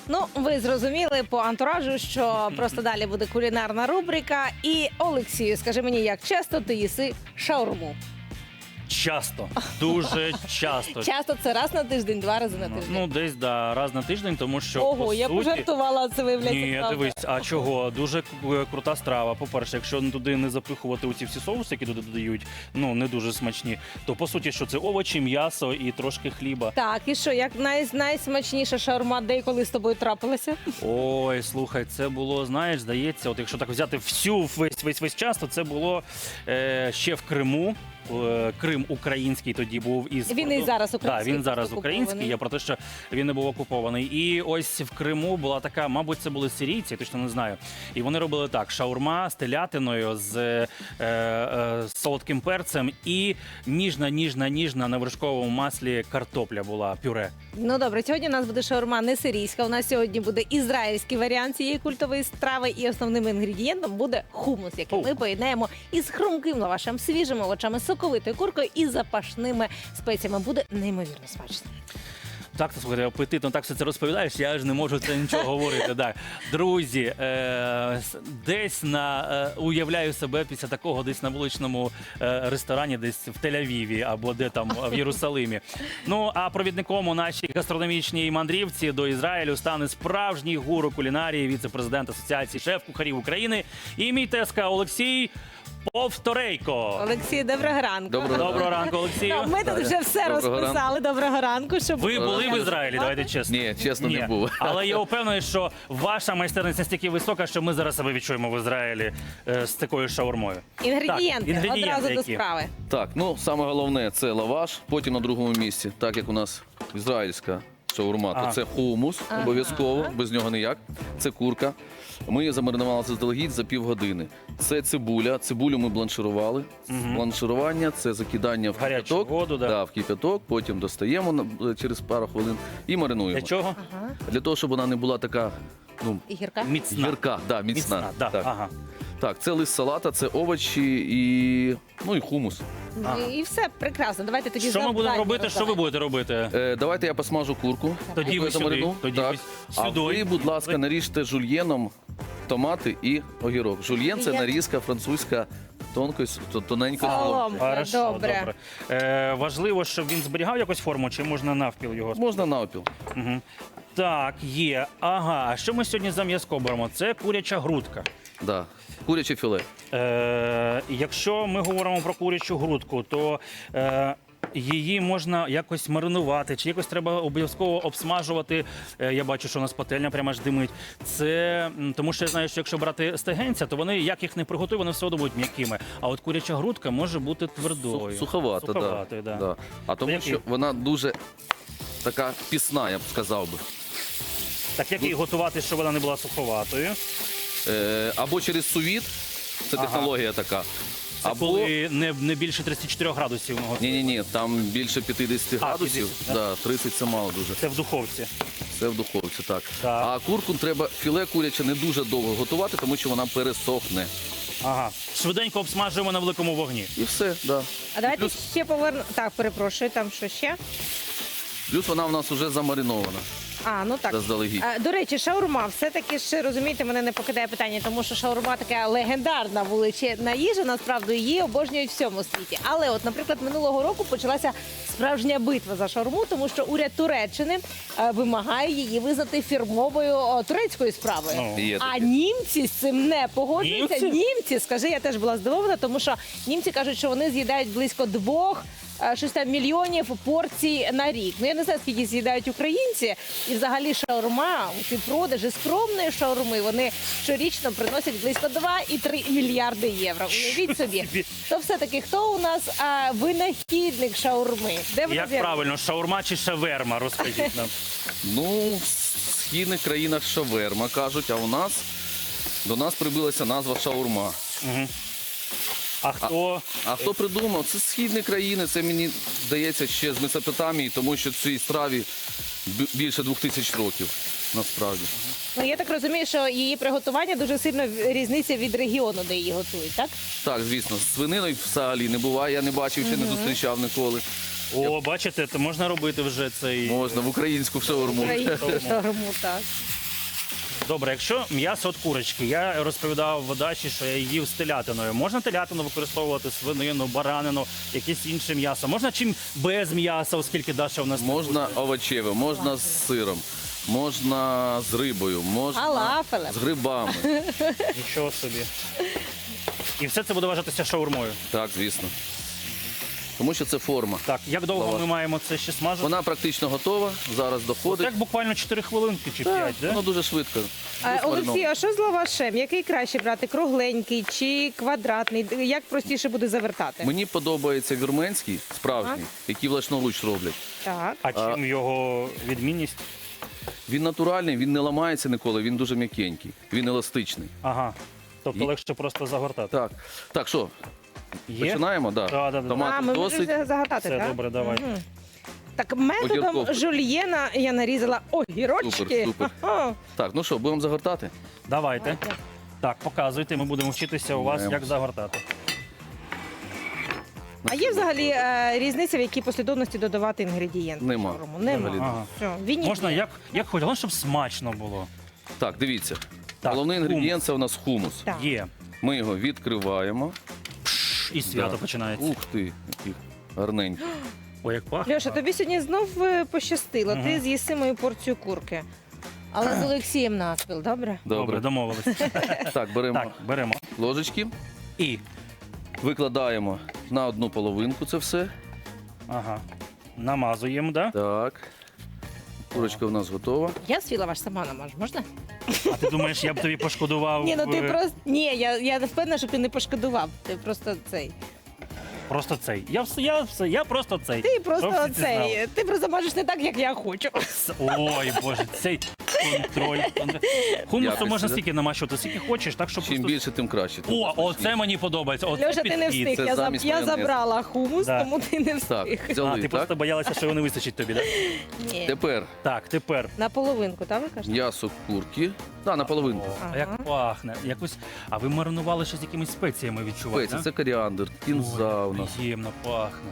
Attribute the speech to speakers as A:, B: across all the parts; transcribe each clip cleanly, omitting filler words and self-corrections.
A: Ну, ви зрозуміли по антуражу, що просто далі буде кулінарна рубрика. І, Олексію, скажи мені, як часто ти їси шаурму?
B: Часто, дуже часто.
A: Часто це раз на тиждень, два рази на тиждень?
B: Ну, десь, да, раз на тиждень, тому що,
A: Ого,
B: по
A: я
B: суті...
A: пожартувала, це виявляється
B: Ні,
A: правда.
B: дивись, а чого? Дуже крута страва. По-перше, якщо туди не запихувати оці всі соуси, які туди додають, ну, не дуже смачні, то, по суті, що це овочі, м'ясо і трошки хліба.
A: Так, і що, як найсмачніша шаурма, де і коли з тобою трапилася?
B: Ой, слухай, це було, знаєш, здається, от якщо так взяти весь час, то це було ще в Криму. Крим український тоді був із
A: Він і зараз український.
B: Так, він зараз
A: просто
B: український.
A: окупований.
B: Я про те, що він не був окупований. І ось в Криму була така, мабуть, це були сирійці, я точно не знаю. І вони робили так: шаурма з телятиною, з солодким перцем і ніжна на вершковому маслі картопля була, пюре.
A: Ну добре, сьогодні у нас буде шаурма не сирійська. У нас сьогодні буде ізраїльський варіант цієї культової страви. І основним інгредієнтом буде хумус, який ми поєднаємо із хрумким лавашем, свіжими овочами, соковитою куркою і запашними спеціями. Буде неймовірно смачно.
B: Так, слухайте, апетитно так все це розповідаєш, я ж не можу це нічого говорити. Так. Друзі, десь уявляю себе після такого десь на вуличному ресторані, десь в Тель-Авіві або де там в Єрусалимі. Ну, а провідником у нашій гастрономічній мандрівці до Ізраїлю стане справжній гуру кулінарії, віце-президент Асоціації шеф-кухарів України і мій тезка Олексій Повторейко.
A: Олексій, доброго ранку.
B: Доброго ранку, Олексію.
A: Так, ми тут вже все
C: Доброго
A: розписали. Доброго ранку. Щоб
B: Ви були в Ізраїлі, давайте чесно.
C: Ні, чесно, не був.
B: Але я впевнений, що ваша майстерність настільки висока, що ми зараз себе відчуємо в Ізраїлі з такою шаурмою.
A: Інгредієнти,
B: Так,
A: одразу до
B: які?
A: справи.
C: Так, ну саме головне це лаваш, потім на другому місці, так як у нас ізраїльська шаурма,
B: Ага.
C: то це хумус, обов'язково, без нього ніяк. Це курка. Ми її замаринували заздалегідь за півгодини. Це цибуля. Цибулю ми бланширували. Бланширування це закидання в
B: Гарячу
C: кипяток.
B: воду, да.
C: Да, в кипяток, потім достаємо через пару хвилин і маринуємо.
B: Для чого?
C: Для того, щоб вона не була така, ну,
A: І гірка?
B: Міцна.
C: гірка, да, міцна.
B: Да.
C: Так.
B: Ага.
C: Так, це лист салата, це овочі і хумус.
A: І все, прекрасно. Давайте тоді
B: Що ми будемо
A: завдання
B: робити? Що ви
A: роздавайте.
B: будете робити?
C: Давайте я посмажу курку.
B: Тоді ви
C: Яку я
B: сюди,
C: замарину.
B: тоді
C: Так.
B: ви
C: А
B: сюди.
C: ви, будь ласка, наріжте жульєном томати і огірок. Жульєн – це
A: Я-
C: нарізка французька тоненько.
A: Солом.
B: Хорошо,
A: Добре.
B: Важливо, щоб він зберігав якусь форму, чи можна навпіл його?
C: Можна навпіл.
B: Угу. Так, є. Ага, а що ми сьогодні за м'язко беремо? Це куряча грудка.
C: Да. Куряче філе.
B: Якщо ми говоримо про курячу грудку, то її можна якось маринувати, чи якось треба обов'язково обсмажувати. Я бачу, що у нас пательня прямо аж димить. Це тому, що я знаю, що якщо брати стегенця, то вони, як їх не приготують, вони все одно будуть м'якими. А от куряча грудка може бути твердою.
C: Суховата,
B: Суховатою,
C: да.
B: да.
C: Да. А тому,
B: який?
C: що вона дуже така пісна, я б сказав би.
B: Так як її готувати, щоб вона не була суховатою?
C: Або через сувіт, це
B: Ага.
C: технологія така.
B: Це
C: Або
B: коли не більше 34 градусів ми готуємо.
C: ні, там більше 50 градусів.
B: 50,
C: Да, 30 це мало дуже.
B: Це в духовці.
C: Це в духовці, так.
B: Так.
C: А курку треба філе куряче не дуже довго готувати, тому що вона пересохне.
B: Ага. Швиденько обсмажуємо на великому вогні.
C: І все, да.
A: А давайте
C: Плюс-
A: ще повернемо. Так, перепрошую, там що ще?
C: Плюс вона в нас вже замаринована
A: А, ну так.
C: заздалегідь.
A: До речі, шаурма, все-таки ще, розумієте, мене не покидає питання, тому що шаурма така легендарна вулична їжа, насправді її обожнюють в всьому світі. Але от, наприклад, минулого року почалася справжня битва за шаурму, тому що уряд Туреччини вимагає її визнати фірмовою турецькою справою.
B: Ну.
C: Є
A: А
C: таке.
A: німці з цим не погоджуються.
B: Німці?
A: Скажи, я теж була здивована, тому що німці кажуть, що вони з'їдають близько 2 мільйонів порцій на рік. Ну я не знаю, скільки з'їдають українці, і взагалі шаурма, ці продажі скромної шаурми, вони щорічно приносять близько 2,3 мільярди євро. Уявіть собі. То все-таки хто у нас винахідник шаурми? Де вона
B: Як
A: з'явилася?
B: правильно, шаурма чи шаверма? Розкажіть нам.
C: Ну, в східних країнах шаверма кажуть, а у нас до нас прибилася назва шаурма.
B: А хто?
C: А хто придумав? Це східні країни, це мені здається ще з Месопотамії, тому що цій страві більше 2000 років, насправді.
A: Ну я так розумію, що її приготування дуже сильно різниця від регіону, де її готують, так?
C: Так, звісно, з свининою взагалі не буває, я не бачив, ще не зустрічав ніколи.
B: О, бачите, то можна робити вже цей...
C: Можна в українську шаурму.
A: Українську шаурму, так.
B: Добре, якщо м'ясо від курочки, я розповідав в Даші, що я їв з телятиною. Можна телятину використовувати, свинину, баранину, якесь інше м'ясо? Можна чим без м'яса, оскільки Даша у нас...
C: Можна овочеве, можна з сиром, можна з рибою, можна
A: Фалафелем.
C: з грибами.
B: Нічого собі. І все це буде вважатися шаурмою.
C: Так, звісно. Тому що це форма.
B: Так, як довго
C: Лаваш.
B: ми маємо це ще смажити?
C: Вона практично готова, зараз доходить.
B: Так буквально 4 хвилинки чи 5, да?
C: Воно дуже швидко.
A: Олексій, а що з лавашем? Який краще брати? Кругленький чи квадратний? Як простіше буде завертати?
C: Мені подобається вірменський, справжній, який власноруч роблять.
A: Так.
B: А чим його відмінність?
C: Він натуральний, він не ламається ніколи, він дуже м'якенький, він еластичний.
B: Ага. Тобто
C: Є.
B: легше просто загортати.
C: Так, так, що,
B: Є?
C: починаємо? Да.
B: Да.
C: Томатів
A: ми
C: досить.
A: можемо загадати,
B: Все,
A: так?
B: добре, давай.
A: Мгм. Так, методом
C: Огірков.
A: жульєна я нарізала огірочки.
C: Супер, супер.
A: Ага.
C: Так, ну що, будемо загортати?
B: Давайте. Так, показуйте, ми будемо вчитися у вас,
C: Знаємо.
B: як загортати.
A: А є взагалі різниця, в якій послідовності додавати інгредієнти?
C: Нема.
A: в шаурму? Нема.
C: Взагалі.
B: Ага.
A: Все, він
B: Можна
A: є.
B: як хоч, головне, щоб смачно було.
C: Так, дивіться.
B: Так,
C: Головний
B: хумус.
C: інгредієнт це у нас хумус.
A: Так.
B: Є.
C: Ми його відкриваємо.
B: І свято
C: Да.
B: починається.
C: Ух ти, який гарненький.
B: Ой, як пахне.
A: Льоша, тобі сьогодні знов пощастило. Ти з'їси мою порцію курки. Але з Олексієм наспіл, добре?
B: Добре,
C: Добре.
B: домовились.
C: Так, беремо
B: Так, беремо.
C: ложечки,
B: І.
C: викладаємо на одну половинку це все.
B: Ага. Намазуємо, да?
C: Так. Курочка у нас готова.
A: Я свій лаваш сама намажу, можна?
B: А ти думаєш, я б тобі пошкодував
A: Ні, ну ти
B: е,
A: просто. Ні, я не впевнена, що ти не пошкодував. Ти просто цей.
B: просто цей. Я просто цей.
A: Ти
B: Щоб
A: просто
B: всі ці знали.
A: цей. Ти просто мажеш не так, як я хочу.
B: Ой, Боже, цей контроль. Хумусу
C: Якості,
B: можна
C: да?
B: стільки намащувати, скільки хочеш, так щоб
C: Чим
B: просто...
C: більше, тим краще. тим
B: О,
C: смачніше.
B: оце мені подобається. Оце
A: Льоша, ти не
B: підхід.
A: встиг.
C: Це замість
A: Я
C: майонезу.
A: забрала хумус,
B: Да.
A: тому ти не
C: Так,
A: встиг.
B: А,
C: взяли,
B: ти
C: так?
B: просто боялася, що його не вистачить тобі, так?
A: Ні.
C: Тепер
B: Так, тепер.
A: На половинку, так ви кажете?
C: м'ясо курки. Так, на половинку.
B: О,
A: Ага.
B: а як пахне. Якось... А ви маринували ще з якимись спеціями відчувати,
C: Спеції,
B: да?
C: це коріандр, кінза у нас.
B: Приємно пахне.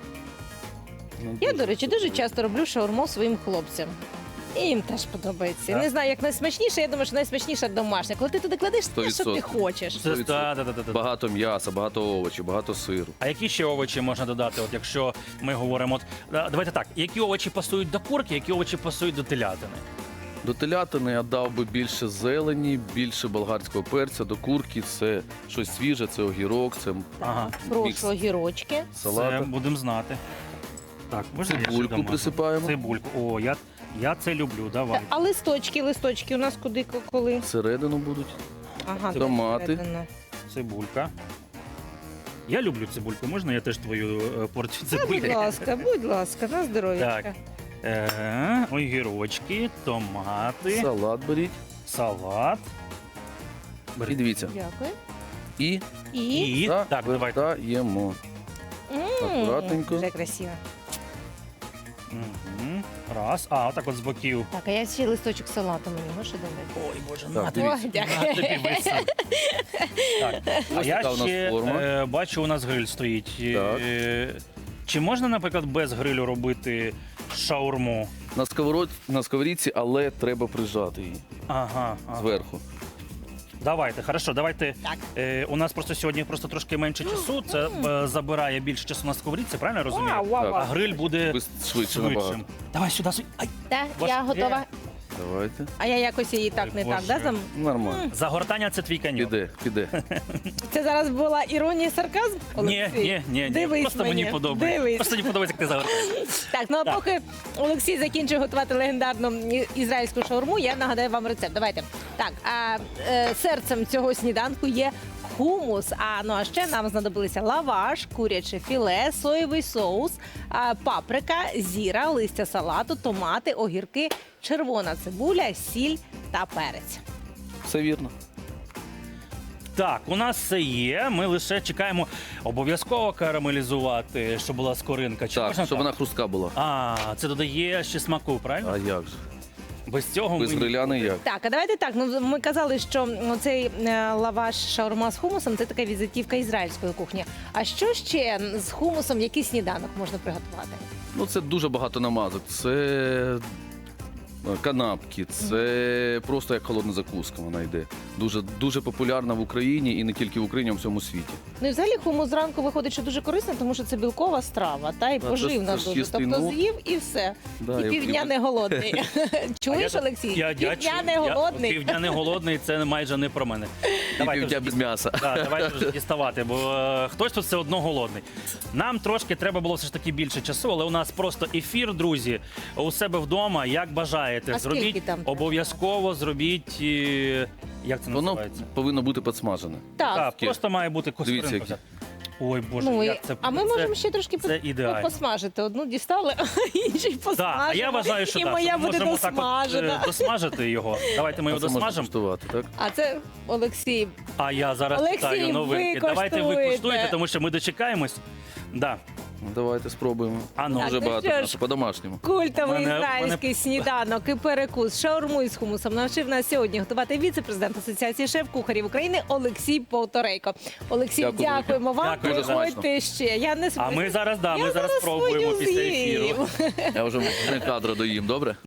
C: Ну,
A: Я,
C: дуже
A: до речі,
C: добре.
A: дуже часто роблю шаурму своїм хлопцям. І їм теж подобається.
B: Так?
A: Не знаю, як найсмачніше, я думаю, що найсмачніше домашня. Коли ти туди кладеш те, що ти
C: 100%.
A: хочеш.
B: Це,
C: 100%.
B: да.
C: Багато м'яса, багато овочів, багато сиру.
B: А які ще овочі можна додати, от якщо ми говоримо, давайте так, які овочі пасують до курки, які овочі пасують до телятини?
C: До телятини я дав би більше зелені, більше болгарського перця. До курки це щось свіже, це огірок, це
B: Ага.
C: мікс
A: Прошу огірочки.
B: Це
C: салата.
B: будемо знати. Так, можна я ще
C: Цибульку
B: домажу?
C: присипаємо.
B: Цибульку. О, я це люблю, давай.
A: А листочки у нас куди, коли?
C: Всередину будуть.
A: Ага,
C: Томати.
A: всередину.
B: Цибулька. Я люблю цибульку. Можна я теж твою порцію
A: Та,
B: цибульки?
A: будь ласка, на здоров'ячка.
B: Так. Огірочки, томати,
C: Салат беріть.
B: салат.
C: І дивіться.
A: Дякую.
C: І
B: І так, давайте.
C: завертаємо. Акуратненько.
A: Вже красиво.
B: Мгм. Раз. А, отак от з боків.
A: Так, а я ще листочок салату мені можеш додати?
B: Ой, Боже,
C: Так,
B: на тобі.
C: дивіться.
A: Ой, дякую.
B: На тобі висить. Так. А
C: Ось
B: я
C: така у нас
B: ще
C: форма.
B: бачу, у нас гриль стоїть.
C: Так.
B: Чи можна, наприклад, без грилю робити шаурму?
C: На сковорідці, але треба прижати її
B: Ага.
C: зверху.
B: Давайте, хорошо, давайте.
A: Так.
B: У нас просто сьогодні просто трошки менше часу. Це забирає більше часу на сковорідці, правильно я розумію?
A: Вау, вау,
C: Так.
B: А
A: вау.
B: гриль буде
C: Швидше набагато.
B: швидшим. Давай сюди. Ай,
A: Так,
B: Ваш-
A: я готова.
C: Давайте.
A: А я якось її так не
B: Боже.
A: так, да?
C: Нормально.
B: загортання це твій каньйон.
C: Піде.
A: Це зараз була іронія і сарказм?
B: Ні,
A: Олексій?
B: ні.
A: Дивись
B: Просто мені подобається.
A: Дивись.
B: Просто мені подобається, як ти загортаєш.
A: Так, ну а
B: Так.
A: поки Олексій закінчує готувати легендарну ізраїльську шаурму, я нагадаю вам рецепт. Давайте. Так, серцем цього сніданку є хумус. А ще нам знадобилися лаваш, куряче філе, соєвий соус, паприка, зіра, листя салату, томати, огірки, червона цибуля, сіль та перець.
C: Все вірно.
B: Так, у нас все є. Ми лише чекаємо обов'язково карамелізувати, щоб була скоринка. Чи
C: Так,
B: можна
C: щоб вона хрустка була.
B: А, це додає ще смаку, правильно?
C: А як же?
B: Без цього
C: Без
B: ми...
C: гриля ніяк.
A: Так, а давайте так. Ну ми казали, що цей лаваш шаурма з хумусом це така візитівка ізраїльської кухні. А що ще з хумусом, який сніданок можна приготувати?
C: Ну це дуже багато намазок. Це канапки. Це просто як холодна закуска вона йде. Дуже, дуже популярна в Україні і не тільки в Україні, а в всьому світі.
A: Ну і взагалі хумус зранку виходить, що дуже корисно, тому що це білкова страва, та і
C: це
A: поживна
C: ж
A: дуже.
C: чистий
A: Тобто
C: нут.
A: з'їв і все.
C: Да,
A: І півдня не голодний. Чуєш, Олексій? Півдня не голодний.
B: Півдня не голодний, це майже не про мене.
C: І
B: Давайте
C: півдня
B: вже
C: без м'яса.
B: давайте вже діставати, бо хтось тут все одно голодний. Нам трошки треба було все ж таки більше часу, але у нас просто ефір, друзі, у себе вдома, як бажаєте.
A: А скільки
B: Зробіть,
A: там?
B: обов'язково зробіть, як це
C: Воно
B: називається?
C: повинно бути підсмажене.
A: Так.
B: Так, просто має бути
C: Дивіться,
B: костринка.
C: які.
B: Ой, Боже,
A: Ну,
B: як це...
A: а ми
B: це-
A: можемо ще трошки
B: це ідеально.
A: посмажити. Одну дістали, а інші посмажимо.
B: Так, а я вважаю, що
A: і
B: так,
A: моя
B: що ми
A: буде
B: можемо так от,
A: досмажена.
B: досмажити його. Давайте ми його
C: Це можна
B: досмажимо.
C: куштувати, так?
A: А це, Олексій,
B: А я зараз
A: Олексій,
B: питаю новинки.
A: ви
B: Давайте ви
A: коштуєте.
B: куштуєте, тому що ми дочекаємось. Да.
C: Давайте спробуємо.
B: А ну.
C: Дуже
A: ну
C: багато
A: що ж.
C: м'яса, по-домашньому.
A: культовий
B: Мене-
A: ізраїльський сніданок і перекус шаурму із хумусом навчив нас сьогодні готувати віце-президент Асоціації шеф-кухарів України Олексій Повторейко. Олексій,
C: Дякую.
A: дякуємо вам.
B: Дякую.
A: Приходьте ще. Я не
B: А ми зараз,
A: Я
B: ми зараз
A: свою
B: спробуємо після ефіру.
A: з'їм.
C: Я вже не кадра доїм, добре?